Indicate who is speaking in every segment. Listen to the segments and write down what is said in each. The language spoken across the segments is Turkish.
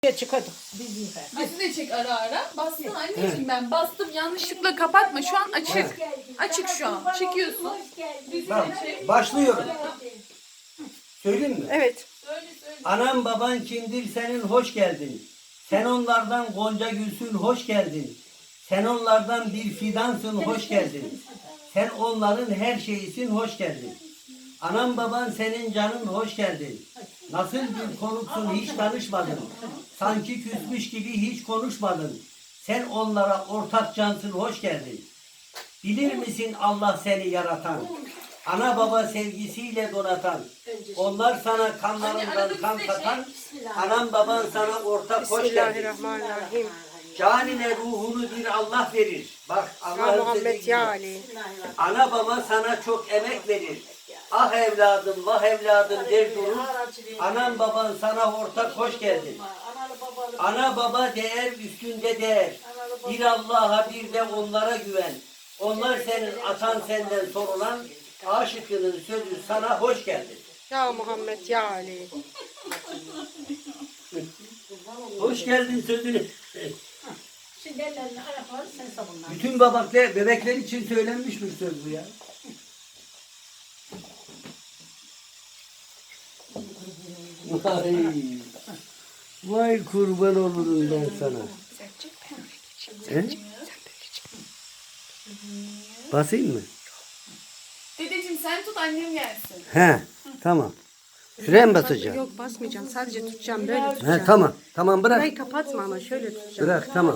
Speaker 1: Çık hadi.
Speaker 2: Bizi de çek ara ara. Bastın anneciğim ben bastım. Yanlışlıkla kapatma. Şu an açık. Açık şu an. Çekiyorsun. Bizi de çek.
Speaker 3: Başlıyorum. Söyleyeyim mi?
Speaker 1: Evet.
Speaker 2: Söyle söyle.
Speaker 3: Anam baban kimdir senin hoş geldin. Sen onlardan gonca gülsün hoş geldin. Sen onlardan bir fidansın hoş geldin. Sen onların her şeyisin hoş geldin. Anam baban senin canın hoş geldin. Nasıl bir konuksun hiç tanışmadın. Sanki küsmüş gibi hiç konuşmadın. Sen onlara ortak cansın hoş geldin. Bilir misin Allah seni yaratan? Ana baba sevgisiyle donatan. Onlar sana kanlarından kan katan. Anam baban sana ortak hoş geldin.
Speaker 1: Bismillahirrahmanirrahim.
Speaker 3: Canine ruhunu bir Allah verir. Bak
Speaker 1: Ya
Speaker 3: Allah'ın
Speaker 1: Muhammed
Speaker 3: dediği
Speaker 1: ya
Speaker 3: gibi.
Speaker 1: Ali.
Speaker 3: Ana baba sana çok emek verir. Ah evladım, vah evladım der durur. Anam baban sana ortak hoş geldin. Ana baba değer üstünde değer. Bir Allah'a bir de onlara güven. Onlar senin atan senden sorulan. Aşıkının sözü sana hoş geldin.
Speaker 1: Ya Muhammed ya Ali.
Speaker 3: Hoş geldin sözünü.
Speaker 4: Şimdi ellerini ayakları sen sabunla.
Speaker 3: Bütün babaklar, bebekler için söylenmiş bir söz bu ya. Vay, vay kurban olurum ben sana. He? Basayım mı?
Speaker 2: Dedeciğim sen tut annem gelsin.
Speaker 3: He, tamam. Şuraya mı basacağım?
Speaker 1: Yok basmayacağım. Sadece tutacağım. Böyle
Speaker 3: He,
Speaker 1: tutacağım.
Speaker 3: tamam. Tamam bırak.
Speaker 1: Burayı kapatma ama şöyle tutacağım.
Speaker 3: Bırak tamam.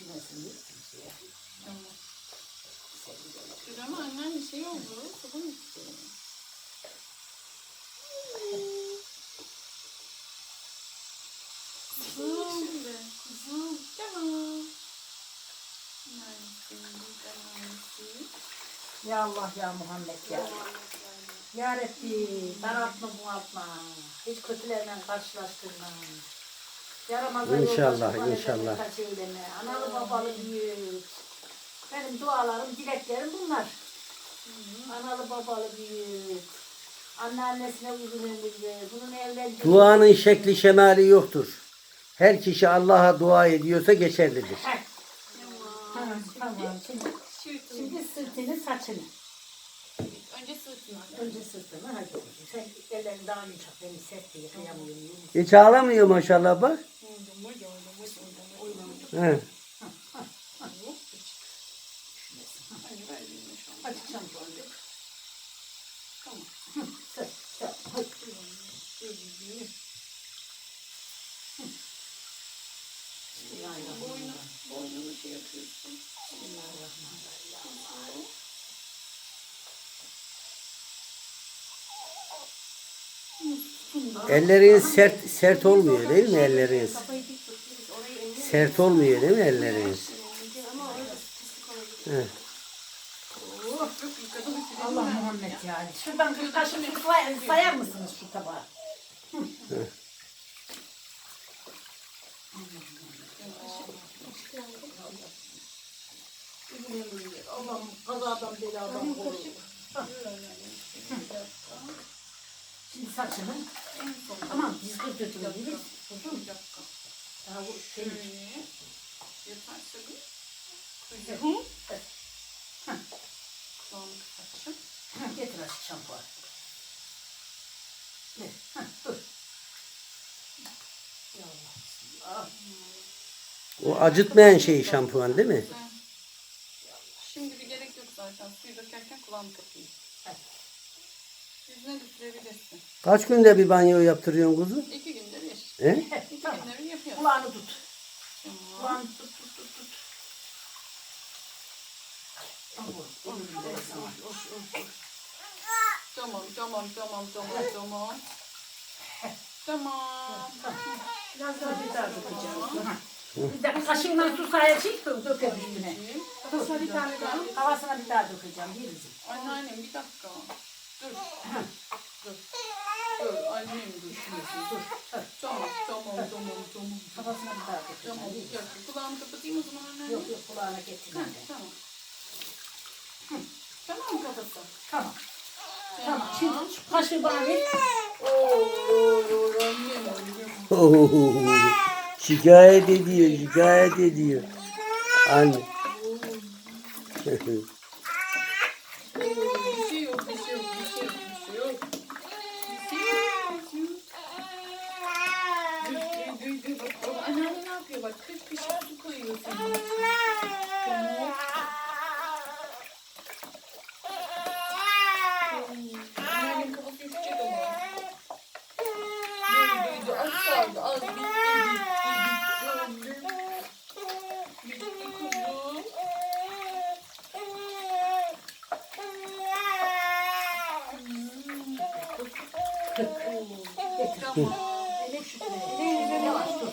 Speaker 2: Ama annen bir şey oldu. Sabun istiyor. Kızım. Kızım. Tamam.
Speaker 4: Ya Allah ya Muhammed ya. Ya Rabbi daraltma bunaltma. Hiç kötülerle karşılaştırma. Yaramazlar
Speaker 3: İnşallah,
Speaker 4: yoldaşı
Speaker 3: inşallah.
Speaker 4: kaç eyleme. Analı babalı büyük. Benim dualarım, dileklerim bunlar. Analı babalı büyük. Anneannesine uzun ömürlü. Bunun evlendiği...
Speaker 3: Duanın şekli şemali yoktur. Her kişi Allah'a dua ediyorsa geçerlidir.
Speaker 4: Tamam, tamam. Şimdi sırtını, saçını.
Speaker 2: Önce sırtına.
Speaker 4: Önce sırtını, hadi. Sen ellerini daha yumuşak, beni sert diye kıyamıyorum.
Speaker 3: Hiç ağlamıyor maşallah bak. He.
Speaker 4: Açacağım böyle. Tamam. Sır, sır.
Speaker 2: Boynunu şey yapıyorsun.
Speaker 3: Elleriniz sert olmuyor değil mi elleriniz? Sert olmuyor değil mi elleriniz? He.
Speaker 4: Allah Muhammed yani. Şuradan bir kaşık sayar mısınız şu tabağı? Allah'ım kazadan beladan koru. Şimdi saçını. Tamam dizgir götürebiliriz. Uzun. Daha bu senin.
Speaker 2: Yaparsa bir. Kulağını kapatacağım.
Speaker 4: Getir aşk şampuan. Dur. Ya Allah.
Speaker 3: O acıtmayan şey şampuan değil mi?
Speaker 2: Şimdi bir gerek yok zaten. Suyu dökerken kulağını kapayım. Yüzüne de sürebilirsin.
Speaker 3: Kaç günde bir banyo yaptırıyorsun kuzu?
Speaker 2: 2 günde bir.
Speaker 3: He?
Speaker 2: 2 günde bir yapıyorsun.
Speaker 4: Kulağını tut.
Speaker 2: Tamam.
Speaker 4: Kulağını tut.
Speaker 2: Tamam. Tamam.
Speaker 4: Biraz daha bir daha dökeceğim. Bir de kaşığından su sayacak da döker üstüne.
Speaker 2: Kafasına bir tane daha.
Speaker 4: Havasına bir daha dökeceğim. Yeriz.
Speaker 2: Anneannem bir dakika. Dur. Dur. Annem dur. Dur. Tamam.
Speaker 4: Havasına bir daha dökeceğim.
Speaker 2: Tamam. Bir dakika. Kulağımı kapatayım o zaman anneanne.
Speaker 4: Yok kulağına getirme.
Speaker 2: Tamam. Tamam mı kafası?
Speaker 4: Tamam. Tamam. Şimdi şu kaşığı bana ver.
Speaker 2: Oo, annem.
Speaker 3: Oo. Şikayet ediyor, şikayet ediyor. Anne.
Speaker 2: Bir şey yok, bir şey yok, bir şey yok, bir şey yok, bir şey yok. Dur. Bak, anneanne ne yapıyor? Bak, kış su koyuyor senin için. Tamam. Anneannenin kafası üşüyecek ama. Dur. Az kaldı, az. Bitti. Bitti kuzum. Tamam.
Speaker 4: Elif şükrü. Yavaş dur.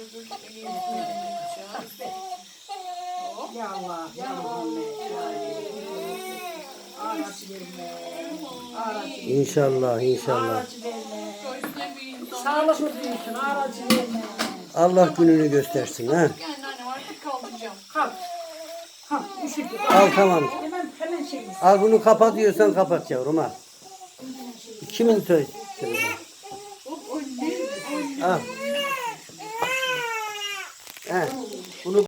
Speaker 4: Ya Allah, ya Muhammed, ya Ali. Ağaç verme. Ağaç verme.
Speaker 3: İnşallah, inşallah.
Speaker 4: Ağaç verme.
Speaker 2: Şöyle bir insan.
Speaker 4: Sağlıklı büyüsün, ağaç verme.
Speaker 3: Allah gününü göstersin ha.
Speaker 2: Yani anne artık kaldıracağım.
Speaker 4: Kalk. Ha, üşüdü.
Speaker 3: Al tamam.
Speaker 4: Hemen şey.
Speaker 3: Al bunu kapat diyorsan kapat yavrum al. Kimin söz? Al. Heh.